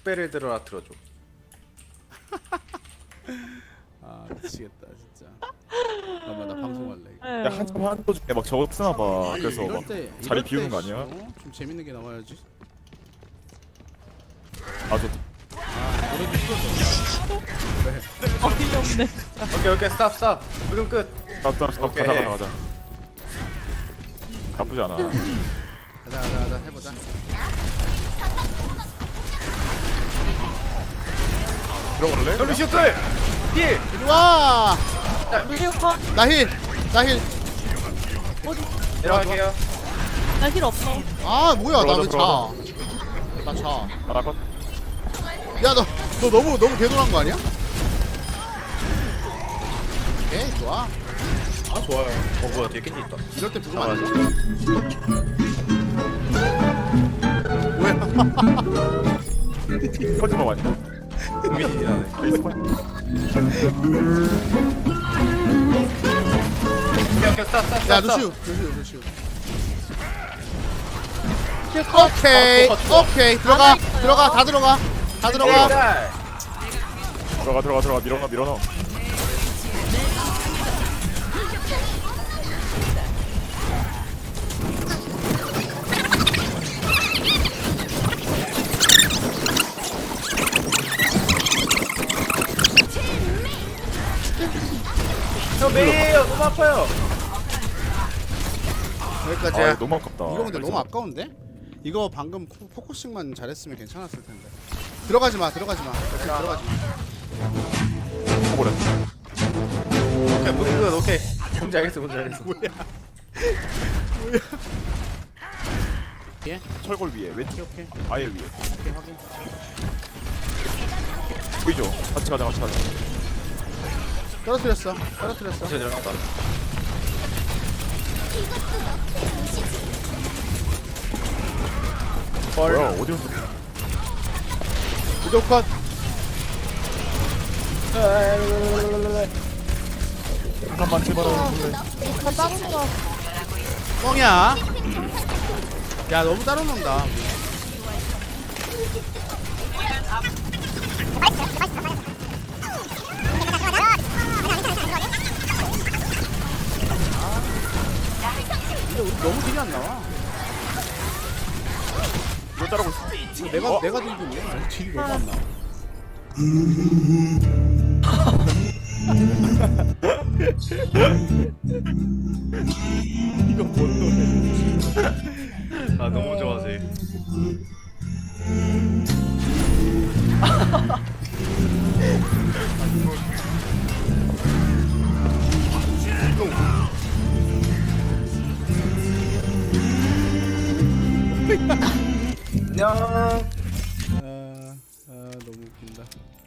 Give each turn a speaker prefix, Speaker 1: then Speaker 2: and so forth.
Speaker 1: 6배를 들어라 틀어줘.
Speaker 2: 아 미치겠다 진짜. 잠깐만 나 방송할래. 이거.
Speaker 3: 에휴.
Speaker 4: 야 한참 한도 중에 막 저거 쓰나 봐.
Speaker 2: 아니,
Speaker 4: 그래서
Speaker 2: 이럴
Speaker 4: 막
Speaker 2: 때,
Speaker 4: 자리
Speaker 2: 이럴
Speaker 4: 비우는
Speaker 2: 때
Speaker 4: 거 아니야?
Speaker 2: 좀 재밌는 게 나와야지.
Speaker 4: 아 저
Speaker 2: 노래도 싫었어.
Speaker 3: 어이없네.
Speaker 1: 오케이 스탑 스탑. 물음 끝.
Speaker 4: 가자
Speaker 1: 오케이.
Speaker 4: 가자. 나쁘지 않아.
Speaker 2: 가자 해보자.
Speaker 4: 들어갈래?
Speaker 1: 돌리 슈클. 힐.
Speaker 2: 이리 와.
Speaker 3: 루시오카
Speaker 2: 나힐.
Speaker 1: 내려갈게요.
Speaker 3: 나 힐 없어.
Speaker 2: 아 뭐야
Speaker 4: 들어가자,
Speaker 2: 나는 자. 나 자.
Speaker 4: 아 컷.
Speaker 2: 야 너 너무 개돌한 거 아니야? 오케이 좋아.
Speaker 1: 아 좋아요. 뭐야 뒤에 캔디 있다.
Speaker 2: 이럴 때 부르면 안 돼. 뭐야?
Speaker 4: 커지마 많이.
Speaker 1: 고민이 나네.
Speaker 4: 에이스 컷.
Speaker 1: 오케이 스탑.
Speaker 2: 야 루시우.
Speaker 3: 루시오카.
Speaker 2: 오케이 들어가 다 들어가
Speaker 4: 들어가 밀어넣어.
Speaker 1: 저 메이에요. 너무 아파요.
Speaker 2: 여기까지야.
Speaker 4: 아 너무 아깝다.
Speaker 2: 이거 근데 너무 아까운데? 이거 방금 포커싱만 잘했으면 괜찮았을 텐데. 들어가지 마. 이렇게 들어가지 마.
Speaker 4: 버려.
Speaker 1: 오케이 물음 끝. 오케이. 뭔지 알겠어.
Speaker 2: 뭐야? 예?
Speaker 4: 철골 위에 왼쪽
Speaker 2: 오케이.
Speaker 4: 아예 위에.
Speaker 2: 오케이 확인.
Speaker 4: 보이죠? 같이 가자.
Speaker 2: 떨어뜨렸어.
Speaker 1: 저 내려갔다.
Speaker 4: 뭐야 어디로 쏘?
Speaker 2: 무조건.
Speaker 4: 잠깐만 제발.
Speaker 3: 다 다른 거.
Speaker 2: 뻥이야. 야 너무 따로 논다. 근데 우리 너무 딜이 안 나와.
Speaker 4: 이거 따라고 있어.
Speaker 2: 이거 내가 들고 있네. 딜이 너무 안 나와. 이거 뭔 노래?
Speaker 1: 아 너무 좋아하세요. 안녕.
Speaker 2: 너무 웃긴다.